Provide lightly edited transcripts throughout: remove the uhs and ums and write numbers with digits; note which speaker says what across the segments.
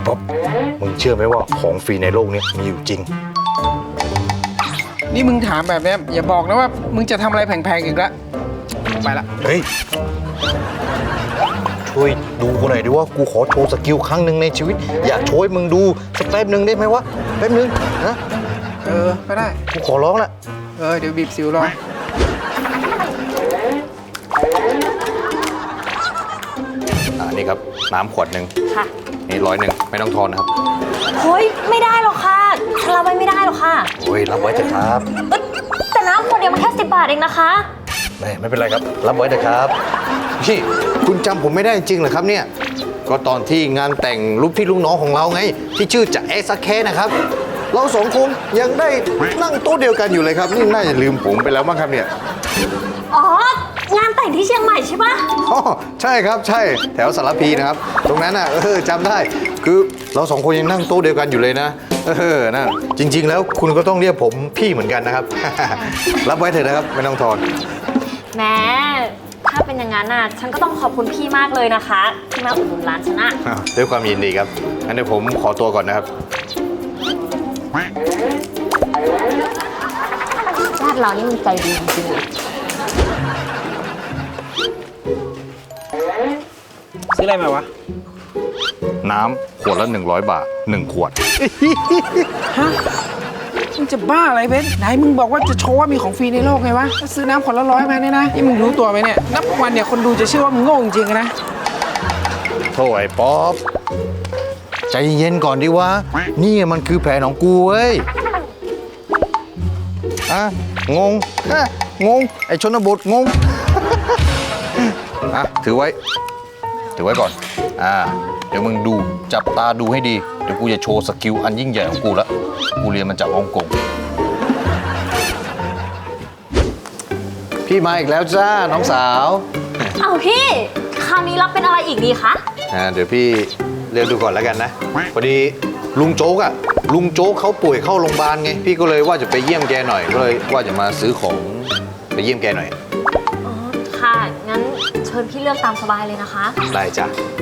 Speaker 1: ป๊อปมึงเชื่อไหมว่าของฟรีในโลกนี้มีอยู่จริง
Speaker 2: นี่มึงถามแบบนี้อย่าบอกนะว่ามึงจะทำอะไรแพงๆอีกแล้วไปละ
Speaker 1: เฮ้ย ช่วยดูกูหน่อยดิว่ากูขอโชว์สกิลครั้งหนึ่งในชีวิต อยากโชว์ให้มึงดูสักแป๊บหนึ่งได้ไหมวะแป๊บหนึ่งนะ
Speaker 2: ก็ได้
Speaker 1: กูขอร้องละ
Speaker 2: เดี๋ยวบีบสิวรอ
Speaker 1: นี่ครับน้ำขวดหนึ่ง
Speaker 3: ค่ะ
Speaker 1: นี่100ไม่ต้องทอนนะครับ
Speaker 3: เฮ้ยไม่ได้หรอกค่ะฉันรับไว้ไม่ได้หรอกค่ะ
Speaker 1: โอ้ยรับไว้เถอะครับ
Speaker 3: แต่น้ำขวดเดียวมันแค่10 บาทเองนะคะ
Speaker 1: ไม่เป็นไรครับรับไว้เถอะครับพี่คุณจำผมไม่ได้จริงเหรอครับเนี่ยก็ตอนที่งานแต่งลูกพี่ลูกน้องของเราไงที่ชื่อจ่าเอซักแคนะครับเราสองคนยังได้นั่งโต๊ะเดียวกันอยู่เลยครับนี่น่าจะลืมผมไปแล้วมั้งครับเนี่ย
Speaker 3: อ๋องานแต่งที่เชียงใหม่ใช่ปะ
Speaker 1: อ๋อใช่ครับใช่แถวสารพีนะครับตรงนั้นน่ะจำได้คือเราสองคนยังนั่งโต๊ะเดียวกันอยู่เลยนะนั่นจริง ๆ แล้วคุณก็ต้องเรียกผมพี่เหมือนกันนะครับ รับไว้เถอะนะครับไม่ต้องทอน
Speaker 3: แม้ถ้าเป็นอย่างนั้นน่ะฉันก็ต้องขอบคุณพี่มากเลยนะคะที่มาอุดหนุนร้านฉันอะ
Speaker 1: ด้วยความยินดีครับงั้นเดี๋ยวผมขอตัวก่อนนะครับ
Speaker 3: ญาติเรานี่มันใจดีจริงๆเลย
Speaker 2: ซื้ออะไรมาวะ
Speaker 1: น้ำขวดละ100 บาท1 ขวด
Speaker 2: ฮะมึงจะบ้าอะไรเบนไหนมึงบอกว่าจะโชว์ว่ามีของฟรีในโลกไงวะถ้าซื้อน้ำขวดละ100มาเนี่ยนะนี่มึงรู้ตัวไหมเนี่ยนับวันเนี่ยคนดูจะเชื่อว่ามึงโง่จริงๆนะ
Speaker 1: โถ่ไอ้ป๊อปใจเย็นก่อนดิวะนี่มันคือแผนของกูเว้ยงงงงไอ้ชนบทงง ถือไว้ก่อนเดี๋ยวมึงดูจับตาดูให้ดีเดี๋ยวกูจะโชว์สกิลอันยิ่งใหญ่ของกูละกูเรียนมาจากฮ่องกงพี่มาอีกแล้วจ้าน้องสาว
Speaker 3: เอาพี่คราวนี้รับเป็นอะไรอีกดีคะ
Speaker 1: เดี๋ยวพี่เรียกดูก่อนแล้วกันนะพอดีลุงโจ๊กลุงโจ๊กเขาป่วยเข้าโรงพยาบาลไงพี่ก็เลยว่าจะไปเยี่ยมแกหน่อยก็เลยว่าจะมาซื้อของไปเยี่ยมแกหน่อย
Speaker 3: อ๋อค่ะงั้นเชิญพี่เลือกตามสบายเลยนะคะ
Speaker 1: ได้จ้ะ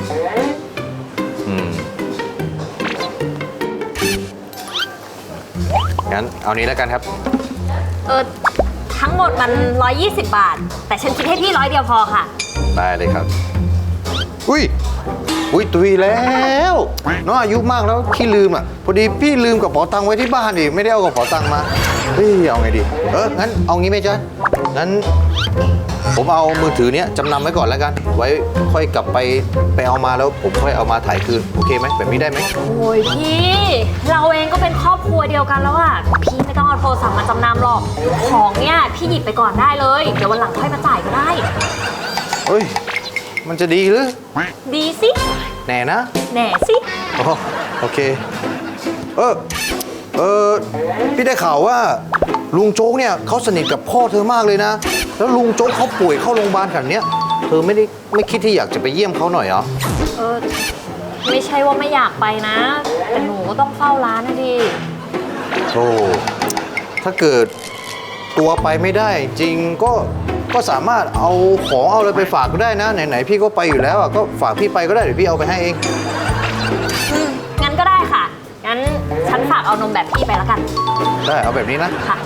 Speaker 1: งั้นเอานี้แล้วกันครับ
Speaker 3: ทั้งหมดมัน120 บาท แต่ฉันคิดให้พี่100 เดียวพอค่ะ
Speaker 1: ได้เลยครับอุ้ยตุยแล้วน้องอายุมากแล้วขี้ลืมพอดีพี่ลืมกระเป๋าตังค์ไว้ที่บ้านดิไม่ได้เอากระเป๋าตังค์มาเอาไงดีงั้นเอางี้ไหมจ๊ะงั้นผมเอามือถือเนี้ยจำนำไว้ก่อนแล้วกันไว้ค่อยกลับไปเอามาแล้วผมค่อยเอามาถ่ายคืนโอเคไหมแบบนี้ได้ไหม
Speaker 3: โอ้ยพี่ เราเองก็เป็นครอบครัวเดียวกันแล้วอะพี่ไม่ต้องเอาโทรศัพท์มาจำนำหรอก ของเนี่ยพี่หยิบไปก่อนได้เลย เดี๋ยววันหลังค่อยมาจ่ายก็ได้
Speaker 1: เฮ้ยมันจะดีหรือ
Speaker 3: ดีสิ
Speaker 1: แน่นะ
Speaker 3: แหน่สิ
Speaker 1: โอเคพี่ได้ข่าวว่าลุงโจ๊กเนี่ยเขาสนิทกับพ่อเธอมากเลยนะแล้วลุงโจ๊กเขาป่วยเข้าโรงพยาบาลขนาดเนี้ยเธอไม่คิดที่อยากจะไปเยี่ยมเขาหน่อยเหรอ
Speaker 3: ไม่ใช่ว่าไม่อยากไปนะ แต่หนูก็ต้องเฝ้าร้านนะดิ
Speaker 1: โธ่ถ้าเกิดตัวไปไม่ได้จริงก็สามารถเอาของเอาอะไรไปฝากก็ได้นะไหนๆพี่ก็ไปอยู่แล้วก็ฝากพี่ไปก็ได้เดี๋ยวพี่เอาไปให้เอง
Speaker 3: งั้นก็ได้ค่ะ งั้นฉันฝากเอานมแบบพี่ไปแล้วกัน
Speaker 1: ได้เอาแบบนี้นะ
Speaker 3: ค่ะ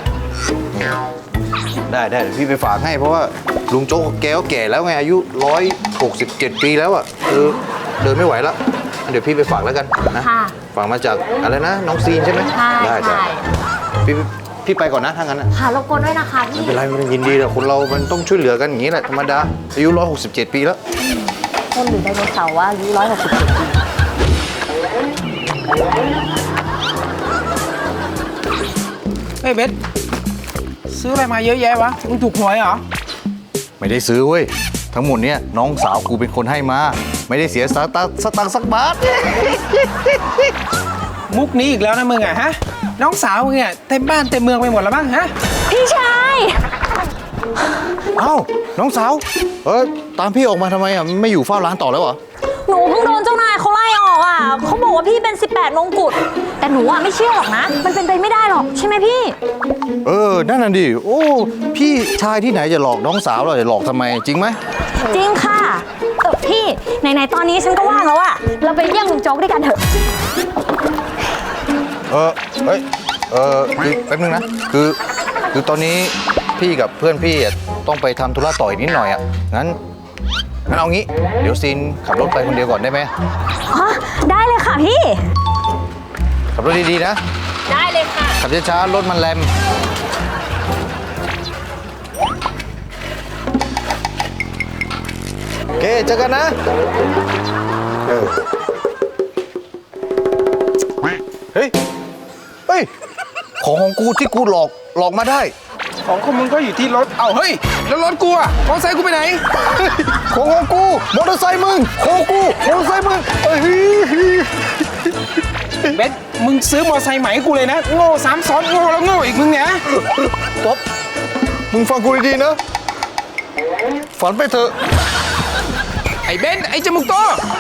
Speaker 1: ได้เดี๋ยวพี่ไปฝากให้เพราะว่าลุงโจ๊กแกก็แก่แล้วไงอายุ167 ปีแล้วเดินไม่ไหวแล้วเดี๋ยวพี่ไปฝากแล้วกันนะ
Speaker 3: ค่ะ
Speaker 1: ฝากมาจากอะไรนะน้องซีนใช่ไหม
Speaker 3: ใช่
Speaker 1: ได้
Speaker 3: ใช่
Speaker 1: พี่ไปก่อนนะถ้างั้นนะ
Speaker 3: ค่ะรบกวนด้วยนะคะพี่
Speaker 1: ไม่เป็นไรมันยินดีแต่คนเรามันต้องช่วยเหลือกันอย่างนี้แหละธรรมดาอายุ167 ปีแล้ว
Speaker 3: คนหรือไดโนเสาร์ว่าอายุ167 ปี
Speaker 2: เฮ้ยเบนซื้ออะไรมาเยอะแยะวะมึงถูกหวยเหรอ
Speaker 1: ไม่ได้ซื้อเว้ยทั้งหมดเนี้ยน้องสาวกูเป็นคนให้มาไม่ได้เสียสตังค์สักบาท
Speaker 2: มุกนี้อีกแล้วนะมึงฮะน้องสาวมึงเนี่ยเต็มบ้านเต็มเมืองไปหมดแล้วมั้งฮะ
Speaker 3: พี่ชาย
Speaker 1: เอ้าน้องสาวตามพี่ออกมาทำไมไม่อยู่เฝ้าร้านต่อแล้วเหรอ
Speaker 3: หนูเพิ่งโดนเจ้านายเขาไล่ออกอ่ะเขาบอกว่าพี่เป็น 18 มงกุฎแต่หนูอะไม่เชื่อหรอกนะ มันเป็นไปไม่ได้หรอกใช่ไหมพี่
Speaker 1: นั่นน่ะดิ โอ้ พี่ชายที่ไหนจะหลอกน้องสาวเราจะหลอกทำไมจริงไหม
Speaker 3: จริงค่ะพี่ไหนๆตอนนี้ฉันก็ว่างแล้วอะเราไปเยี่ยมลุงโจ๊กด้วยกันเถอะ
Speaker 1: เฮ้ย คือแป๊บนึงนะ คือตอนนี้พี่กับเพื่อนพี่อะต้องไปทำธุระต่ออีกนิดหน่อยอ่ะ งั้นเอางี้ เดี๋ยวซีนขับรถไปคนเดียวก่อนได้ไหม
Speaker 3: อ๋อ ได้เลยค่ะพี่
Speaker 1: ขับรถดีๆนะ
Speaker 3: ได้เลยค่ะ
Speaker 1: ขับช้าๆรถมันแรมโอเคเจอกันนะเฮ้ย ของกูที่กูหลอกมาได้
Speaker 2: ของมึงก็อยู่ที่รถ เอ้าเฮ้ย แล้วรถกูอะมอเตอร์ไซค์กูไปไหน
Speaker 1: ของกูมอเตอร์ไซค์มึงของกูมอเตอร์ไซค์มึง
Speaker 2: เบนมึงซื้อมอเตอร์ไซค์ใหม่ให้กูเลยนะ โง่ซ้ำซ้อนโง่แล้วโง่อีกมึงเนี่ย
Speaker 1: ป๊อปมึงฟังกูดีๆนะ ฝันไปเถอะ
Speaker 2: ไอ้เบนไอ้จมูกโต